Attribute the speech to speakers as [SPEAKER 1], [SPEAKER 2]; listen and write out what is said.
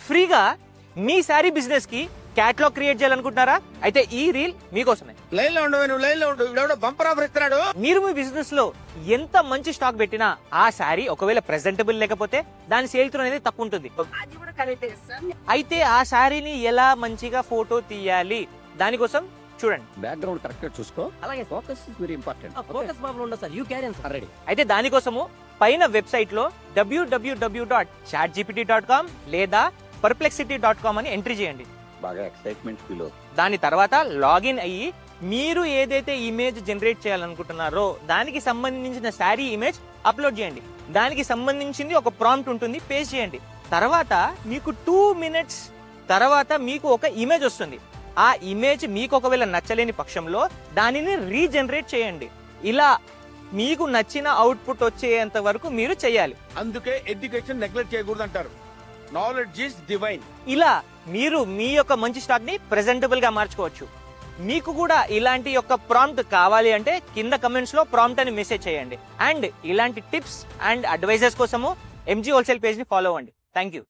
[SPEAKER 1] ఫ్రీగా మీ శారీ బిజినెస్ కి క్యాటలాగ్ క్రియేట్ చేయాలనుకుంటున్నారా? అయితే ఈ రీల్ మీకోసమే.
[SPEAKER 2] లైన్ లో ఉండవు, నువ్వు లైన్ లో ఉండు. ఇవిడెవడో బంపర్ ఆఫర్ ఇస్తున్నాడు.
[SPEAKER 1] మీరు మీ బిజినెస్ లో ఎంత మంచి స్టాక్ పెట్టినా ఆ శారీ ఒకవేళ ప్రెజెంటబుల్ లేకపోతే దాని సేల్ త్రూ అనేది తక్కువ ఉంటుంది. అయితే ఆ శారీని ఎలా మంచిగా ఫోటో తీయాలి, దానికోసం చూడండి.
[SPEAKER 2] బ్యాక్గ్రౌండ్ కరెక్ట్ గా చూసుకో.
[SPEAKER 3] అలాగే
[SPEAKER 2] focus is very important.
[SPEAKER 3] Focus problem ఉండదు sir. You carry sir.
[SPEAKER 2] Ready.
[SPEAKER 1] అయితే దానికోసము పైన వెబ్సైట్ లో www.chatgpt.com లేదా perplexity.com అని ఎంట్రీ చేయండి.
[SPEAKER 2] బాగా ఎక్సైట్మెంట్ ఫీల్ అవుతుంది.
[SPEAKER 1] దాని తర్వాత లాగిన్ అయ్యి మీరు ఏదైతే ఇమేజ్ జనరేట్ చేయాలనుకుంటున్నారో దానికి సంబంధించిన శారీ ఇమేజ్ అప్లోడ్ చేయండి. దానికి సంబంధించింది ఒక ప్రాంప్ట్ ఉంటుంది, పేస్ట్ చేయండి. తర్వాత మీకు 2 minutes తర్వాత మీకు ఒక ఇమేజ్ వస్తుంది. ఆ ఇమేజ్ మీకు ఒకవేళ నచ్చలేని పక్షంలో దానిని రీజనరేట్ చేయండి. ఇలా మీకు నచ్చిన అవుట్పుట్ వచ్చేంత వరకు మీరు చేయాలి.
[SPEAKER 2] అందుకే ఎడ్యుకేషన్ నెగ్లెక్ట్ చేయకూడదు అంటారు. Knowledge is divine.
[SPEAKER 1] ఇలా మీరు మీ యొక్క మంచి స్టాక్ ని ప్రెజెంటబుల్ గా మార్చుకోవచ్చు. మీకు కూడా ఇలాంటి యొక్క ప్రాంప్ట్ కావాలి అంటే కింద కమెంట్స్ లో ప్రాంప్ట్ అని మెసేజ్ చేయండి. అండ్ ఇలాంటి టిప్స్ అండ్ అడ్వైజెస్ కోసము MG హోల్సేల్ పేజ్ ని ఫాలో అవ్వండి. Thank you.